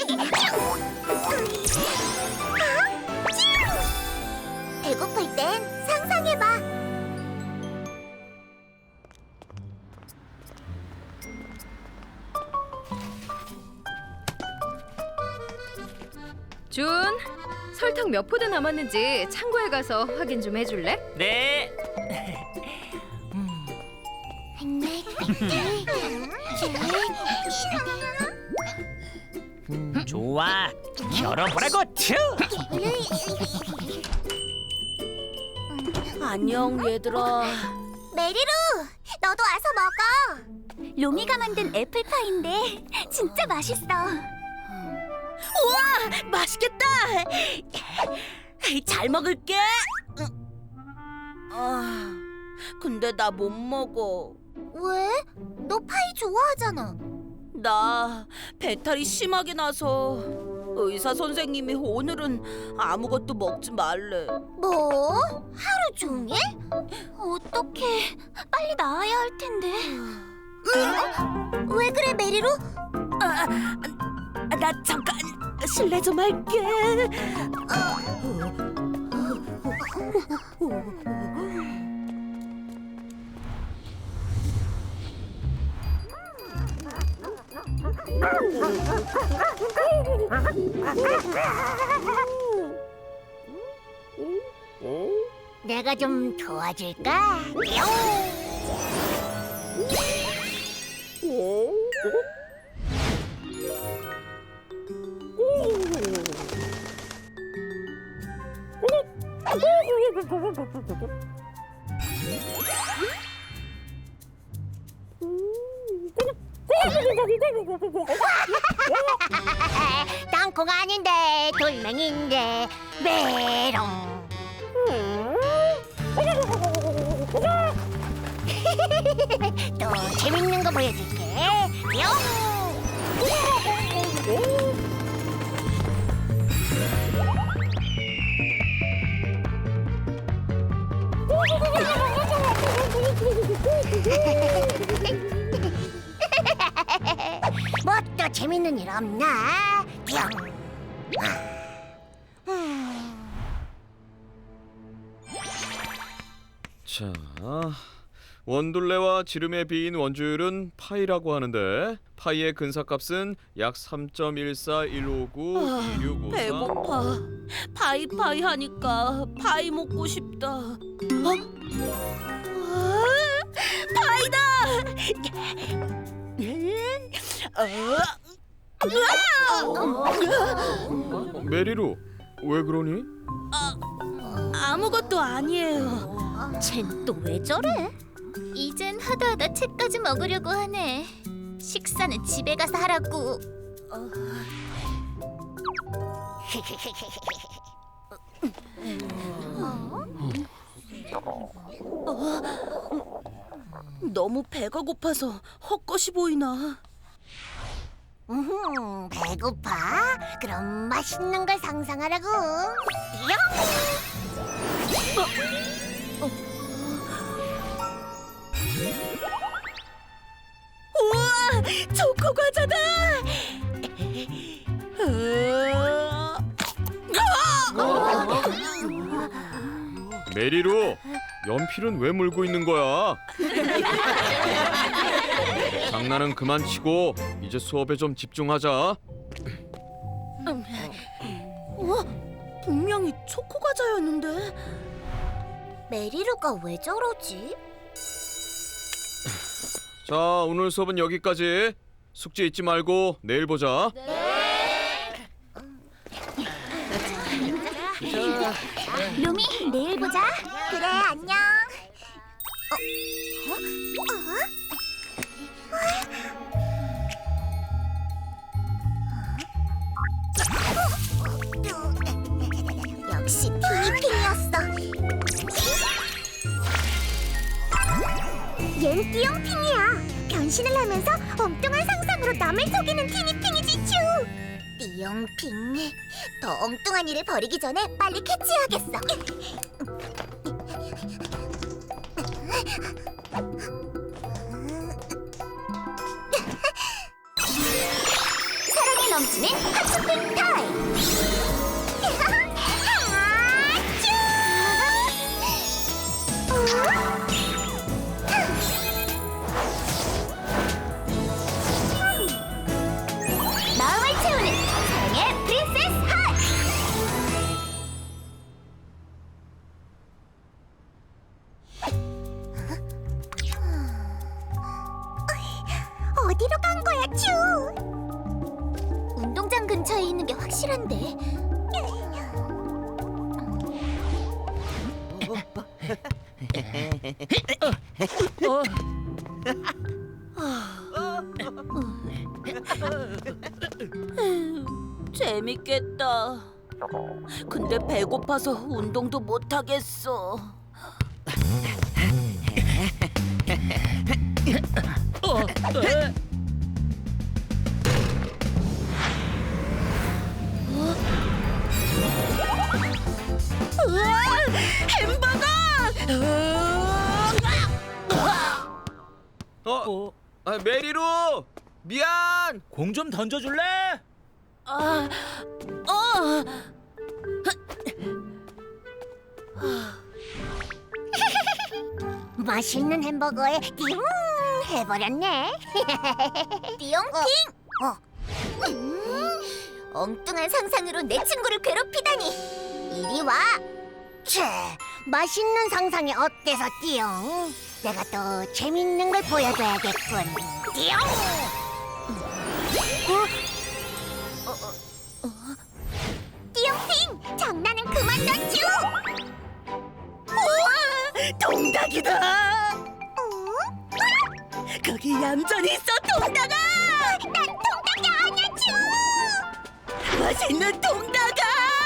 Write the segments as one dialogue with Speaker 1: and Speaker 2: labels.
Speaker 1: 배고플 땐 상상해봐.
Speaker 2: 준, 설탕 몇 포대 남았는지 창고에 가서 확인 좀 해줄래?
Speaker 3: 네. 좋아. 열어보라고. 튜.
Speaker 4: 안녕 얘들아.
Speaker 1: 메리루, 너도 와서 먹어. 로미가 만든 애플파이인데 진짜 맛있어.
Speaker 4: 우와, 맛있겠다. 잘 먹을게. 근데 나 못 먹어.
Speaker 1: 왜? 너 파이 좋아하잖아.
Speaker 4: 나 배탈이 심하게 나서 의사 선생님이 오늘은 아무것도 먹지 말래.
Speaker 1: 뭐? 하루 종일? 어떡해. 빨리 나와야 할 텐데. 왜 그래, 메리루?
Speaker 4: 나 잠깐 실례 좀 할게.
Speaker 1: 내가 좀 도와줄까? 땅콩 아닌데 돌멩인데 메롱. 또 재밌는 거 보여줄게. 뿅! 뭐 또 재밌는 일 없나? 뿅!
Speaker 5: 자, 원둘레와 지름에 비인 원주율은 파이라고 하는데 파이의 근사값은 약 3.141592654.
Speaker 4: 배고파. 파이 하니까 파이 먹고 싶다. 파이다.
Speaker 5: 메리루, 왜 그러니?
Speaker 4: 아무것도 아니에요.
Speaker 1: 쟨 또 왜 저래? 이젠 하다하다 책까지 먹으려고 하네. 식사는 집에 가서 하라고.
Speaker 4: 너무 배가 고파서 헛것이 보이나.
Speaker 1: 배고파? 그럼 맛있는 걸 상상하라고. 뿅!
Speaker 4: 우와, 초코 과자다.
Speaker 5: 메리루, 연필은 왜 물고 있는 거야? 장난은 그만 치고 이제 수업에 좀 집중하자.
Speaker 4: 분명히 초코 과자였는데.
Speaker 1: 메리루가 왜 저러지?
Speaker 5: 자, 오늘 수업은 여기까지. 숙제 잊지 말고 내일 보자.
Speaker 1: 루미, 내일 보자. 그래, 안녕. 역시 티니핑이었어. 얜 띠용핑이야. 변신을 하면서 엉뚱한 상상으로 남을 속이는 티니핑이지, 츄. 띠용핑, 더 엉뚱한 일을 벌이기 전에 빨리 캐치해야겠어. 사랑의 넘치는 핫쇼핑 타임! 마음을 채우는 사랑의 프린세스 핫! 어디로 간 거야, 쭈? 운동장 근처에 있는 게 확실한데.
Speaker 4: 재밌겠다. 근데 배고파서 운동도 못 하겠어. 우와! 햄버거!
Speaker 5: 메리루! 미안!
Speaker 3: 공 좀 던져줄래?
Speaker 1: 맛있는 햄버거에 띵 해버렸네. 띠용핑! 엉뚱한 상상으로 내 친구를 괴롭히다니. 이리 와. 채, 맛있는 상상이 어때서 띠용? 내가 또 재밌는 걸 보여줘야겠군. 띠용! 띠용핑! 장난은 그만 넣죠!
Speaker 4: 동닭이다. 거기 얌전히 있어, 동닭아.
Speaker 1: 난 통닭이 아니야, 쭈!
Speaker 4: 맛있는 동닭아.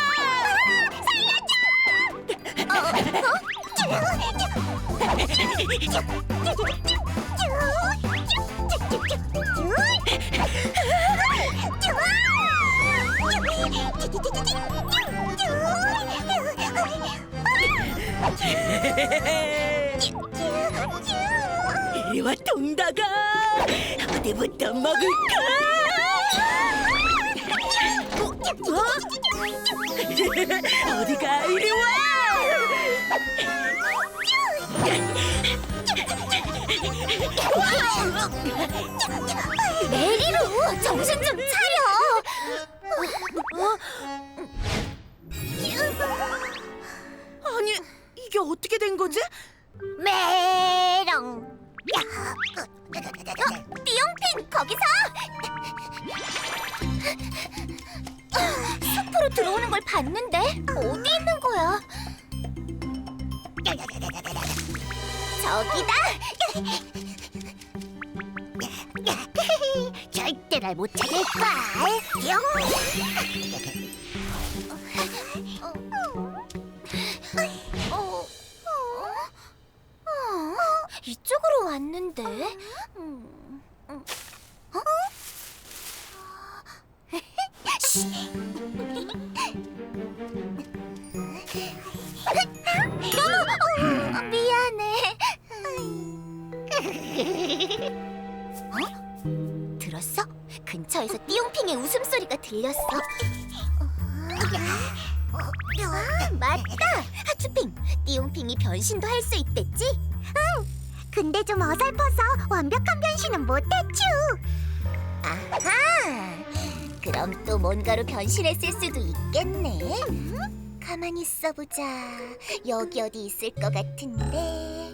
Speaker 4: 이리 와, 동닭아. 어디부터 먹을까? 어디가? 이리 와.
Speaker 1: 메리루, 정신 좀 차려.
Speaker 4: 아니, 이게 어떻게 된 거지?
Speaker 1: 메롱. 띠용핑, 거기서. 숲으로 들어오는 걸 봤는데 어디 있는 거야? 저기다. 절대 날 못 찾을걸. 이쪽으로 왔는데. 미안해. 들었어? 근처에서 띠용핑의 웃음소리가 들렸어. 맞다! 하츄핑, 띠용핑이 변신도 할 수 있댔지? 응! 근데 좀 어설퍼서 완벽한 변신은 못했쥬! 아하! 그럼 또 뭔가로 변신했을 수도 있겠네? 가만히 있어보자. 여기 어디 있을 것 같은데...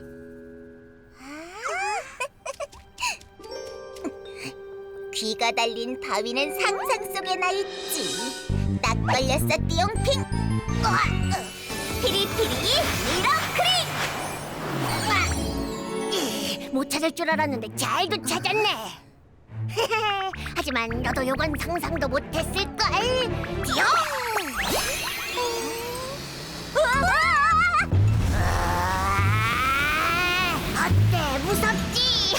Speaker 1: 귀가 달린 바위는 상상 속에나 있지. 딱 걸렸어, 띠용핑. 피리피리 미러크링. 못 찾을 줄 알았는데 잘도 찾았네. 하지만 너도 요건 상상도 못했을걸. 띠용. 어때, 무섭지?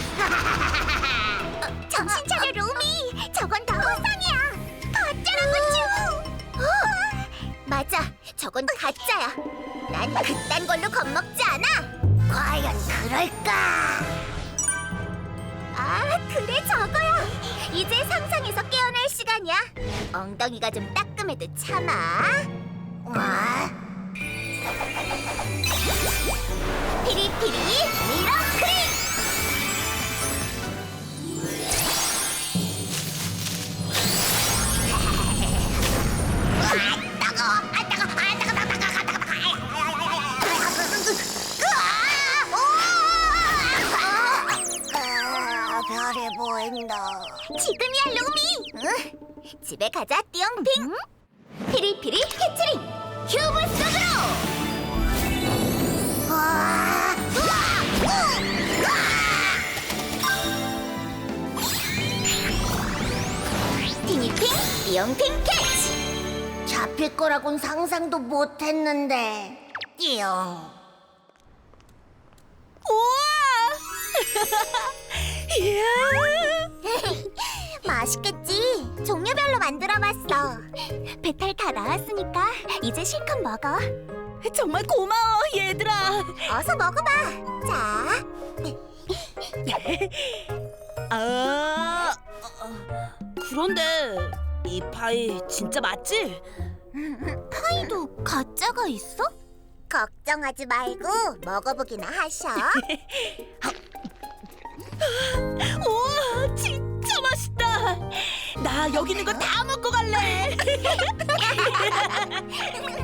Speaker 1: 정신 차려, 루미. 저건 다 허상이야. 가짜라고, 쭈. 맞아, 저건 가짜야. 난 그딴 걸로 겁먹지 않아. 과연 그럴까? 아, 그래, 저거야. 이제 상상에서 깨어날 시간이야. 엉덩이가 좀 따끔해도 참아. 와. 피리피리 미러크림. 별이 보인다. 지금이야, 루미. 응? 집에 가자, 띠용핑. 피리피리 캐치링 큐브 속으로. 티니핑 띠용핑 캐치. 잡힐 거라곤 상상도 못했는데. 띠용.
Speaker 4: 이야.
Speaker 1: 맛있겠지? 종류별로 만들어봤어. 배탈 다 나았으니까 이제 실컷 먹어.
Speaker 4: 정말 고마워, 얘들아.
Speaker 1: 어서 먹어봐. 자,
Speaker 4: 그런데 이 파이 진짜 맞지?
Speaker 1: 파이도 가짜가 있어? 걱정하지 말고 먹어보기나 하셔.
Speaker 4: 우와, 진짜 맛있다. 나 여기 있는 거 다 먹고 갈래.